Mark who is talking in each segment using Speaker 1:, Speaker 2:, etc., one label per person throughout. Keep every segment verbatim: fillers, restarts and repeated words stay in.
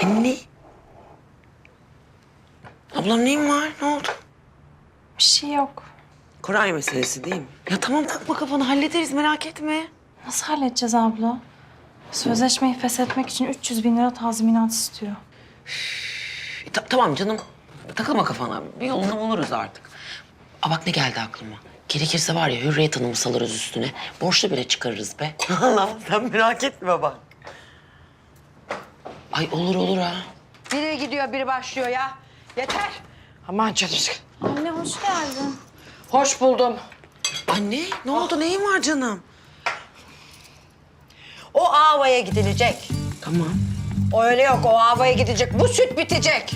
Speaker 1: Anne. Ablam neyin var? Ne oldu?
Speaker 2: Bir şey yok.
Speaker 1: Koray meselesi değil mi? Ya tamam takma kafanı hallederiz merak etme.
Speaker 2: Nasıl halledeceğiz abla? Sözleşmeyi feshetmek için üç yüz bin lira tazminat istiyor.
Speaker 1: E, ta- tamam canım. Takılma kafana. Bir yolunu buluruz artık. Aa bak ne geldi aklıma. Gerekirse var ya Hürriyet Hanım'ı salırız üstüne. Borçlu bile çıkarırız be. Allah sen merak etme bak. Ay olur olur ha.
Speaker 3: Biri gidiyor, biri başlıyor ya. Yeter. Aman canım.
Speaker 2: Anne hoş geldin.
Speaker 3: Hoş buldum.
Speaker 1: Anne ne oldu neyin var canım?
Speaker 3: O avaya gidilecek.
Speaker 1: Tamam.
Speaker 3: O öyle yok, o avaya gidecek. Bu süt bitecek.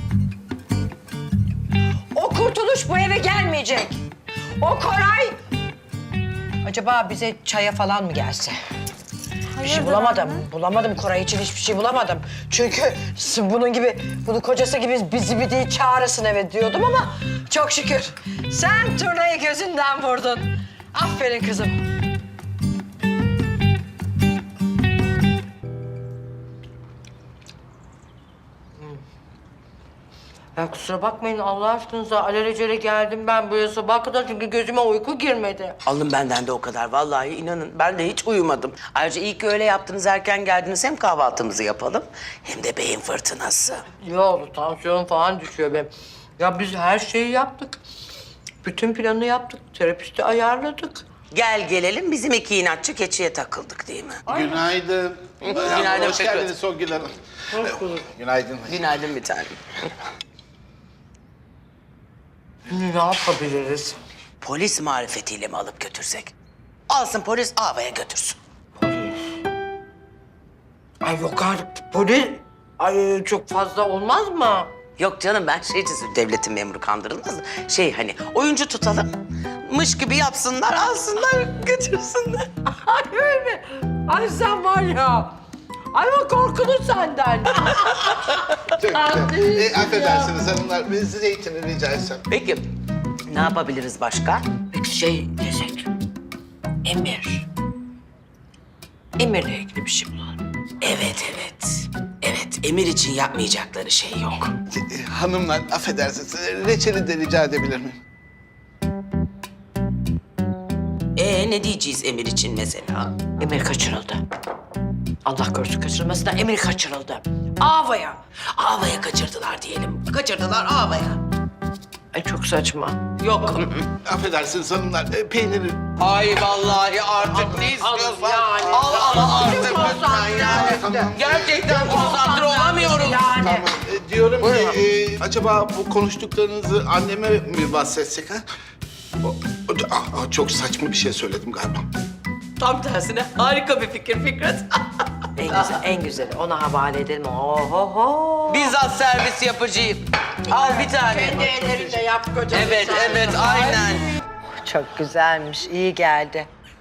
Speaker 3: O kurtuluş bu eve gelmeyecek. O Koray... Acaba bize çaya falan mı gelse? Bir şey bulamadım. Bulamadım Koray için hiçbir şey bulamadım. Çünkü bunun gibi, bunun kocası gibi bizi bir değil çağırırsın eve diyordum ama çok şükür. Sen turnayı gözünden vurdun. Aferin kızım. Ya kusura bakmayın Allah aşkınıza alelacele geldim ben buraya sabah kadar çünkü gözüme uyku girmedi.
Speaker 1: Alın benden de o kadar. Vallahi inanın ben de hiç uyumadım. Ayrıca iyi ki öyle yaptınız erken geldiniz. Hem kahvaltımızı yapalım hem de beyin fırtınası.
Speaker 3: Ne oldu tansiyon falan düşüyor benim. Ya biz her şeyi yaptık. Bütün planı yaptık. Terapisti ayarladık.
Speaker 1: Gel gelelim bizim iki inatçı keçiye takıldık değil mi?
Speaker 4: Günaydın.
Speaker 1: Günaydın
Speaker 4: Hoş
Speaker 1: Fikret.
Speaker 4: geldiniz Songül Hanım. Günaydın.
Speaker 1: Günaydın bir tanem.
Speaker 3: Ne yapabiliriz?
Speaker 1: Polis marifetiyle mi alıp götürsek? Alsın polis avaya götürsün.
Speaker 3: Ay yok artık polis. Ay çok fazla olmaz mı?
Speaker 1: Yok canım ben şeycisi devletin memuru kandırılmaz. Şey hani oyuncu tutalım. Mış gibi yapsınlar alsınlar götürsünler.
Speaker 3: Ay öyle. Ay sen var ya. Ay o korkulur senden.
Speaker 4: Çok güzel. E, affedersiniz hanımlar. Bir zeytini rica etsem.
Speaker 1: Peki ne yapabiliriz başka?
Speaker 3: Peki şey desek. Emir. Emir'le ilgili bir şey bulalım.
Speaker 1: Evet evet. Evet Emir için yapmayacakları şey yok.
Speaker 4: E, hanımlar affedersiniz. Reçeli de rica edebilir miyim?
Speaker 1: Ee ne diyeceğiz Emir için mesela?
Speaker 3: Emir kaçırıldı. Allah korusun kaçırılmasından Emir kaçırıldı. Avaya.
Speaker 1: Avaya kaçırdılar diyelim. Kaçırdılar avaya.
Speaker 3: Ay çok saçma.
Speaker 1: Yok.
Speaker 4: Affedersiniz hanımlar. E, peyniri...
Speaker 1: Ay vallahi artık ne istiyorsan
Speaker 3: yani.
Speaker 1: al al artık lütfen yani.
Speaker 4: Tamam.
Speaker 1: Gerçekten konsantre olamıyorum.
Speaker 3: Yani.
Speaker 4: E, diyorum ki e, acaba bu konuştuklarınızı anneme mi bahsetsek ha? O, o, aa, çok saçma bir şey söyledim galiba.
Speaker 1: Tam tersine harika bir fikir Fikret.
Speaker 3: En güzel, en güzeli. Ona havale edelim. Ohoho.
Speaker 1: Bizzat servis yapıcıyım. Al bir tane.
Speaker 3: Kendi ellerinle yap kocam.
Speaker 1: Evet evet aynen.
Speaker 3: Çok güzelmiş, iyi geldi.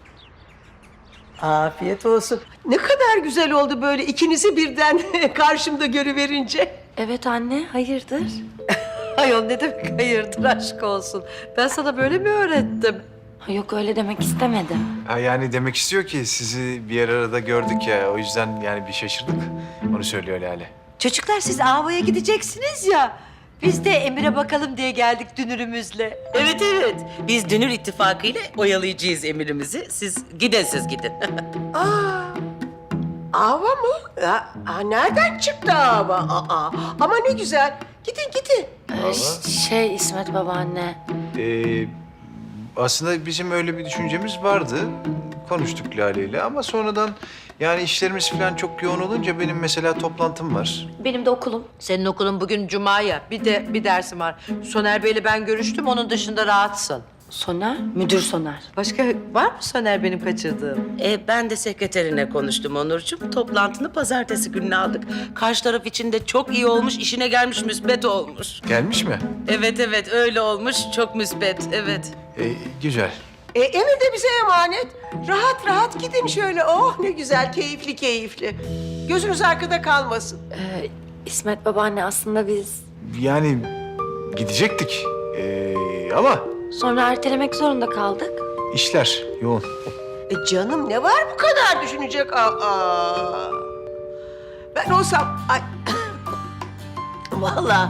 Speaker 3: Afiyet olsun. Ne kadar güzel oldu böyle ikinizi birden karşımda görüverince.
Speaker 2: Evet anne hayırdır?
Speaker 3: Ayol ne demek hayırdır aşk olsun. Ben sana böyle mi öğrettim?
Speaker 2: Ha, yok öyle demek istemedim.
Speaker 5: Ha, yani demek istiyor ki sizi bir yer arada gördük ya. O yüzden yani bir şaşırdık. Onu söylüyor Lale.
Speaker 6: Çocuklar siz Ava'ya gideceksiniz ya. Biz de Emir'e bakalım diye geldik dünürümüzle.
Speaker 1: Evet evet. Biz Dünür İttifakı ile oyalayacağız emirimizi. Siz gidin siz gidin.
Speaker 3: Aa, ava mı? Ya, aa, nereden çıktı ava? Aa, ama ne güzel. Gidin gidin.
Speaker 2: Ee, ş- şey İsmet babaanne.
Speaker 5: Ee, aslında bizim öyle bir düşüncemiz vardı. Konuştuk Lale ile ama sonradan yani işlerimiz falan çok yoğun olunca benim mesela toplantım var.
Speaker 2: Benim de okulum.
Speaker 3: Senin okulun bugün cuma ya. Bir de bir dersim var. Soner Bey'le ben görüştüm. Onun dışında rahatsın.
Speaker 2: Soner, müdür Soner.
Speaker 3: Başka var mı Soner benim kaçırdığım?
Speaker 1: E, ben de sekreterine konuştum Onurcuğum. Toplantını pazartesi gününe aldık. Karşı taraf için de çok iyi olmuş, işine gelmiş, müsbet olmuş.
Speaker 5: Gelmiş mi?
Speaker 1: Evet evet öyle olmuş, çok müsbet, evet.
Speaker 5: Ee, güzel.
Speaker 7: E, Emir de bize emanet. Rahat rahat gidin şöyle. Oh ne güzel, keyifli keyifli. Gözünüz arkada kalmasın.
Speaker 2: Ee, İsmet babaanne aslında biz
Speaker 5: Yani gidecektik ee, ama
Speaker 2: sonra ertelemek zorunda kaldık.
Speaker 5: işler yoğun.
Speaker 7: E canım ne var bu kadar düşünecek? Aa. Ben olsam... Ay, Vallahi.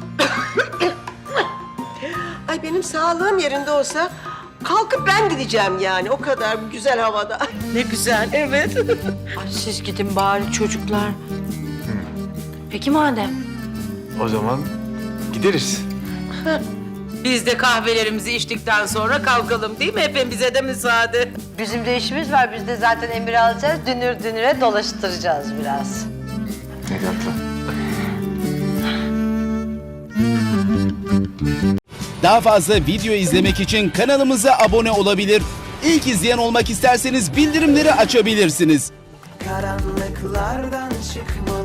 Speaker 7: Ay benim sağlığım yerinde olsa kalkıp ben gideceğim yani o kadar bu güzel havada.
Speaker 1: Ne güzel, evet.
Speaker 6: Ay siz gidin bari çocuklar.
Speaker 2: Peki madem.
Speaker 5: O zaman gideriz.
Speaker 8: Biz de kahvelerimizi içtikten sonra kalkalım değil mi? Hepimize de müsaade.
Speaker 6: Bizim de işimiz var. Biz de zaten Emir'i alacağız. Dünür dünüre dolaştıracağız biraz.
Speaker 5: Hadi atla.
Speaker 9: Daha fazla video izlemek için kanalımıza abone olabilir. İlk izleyen olmak isterseniz bildirimleri açabilirsiniz.
Speaker 10: Karanlıklardan çıkmalı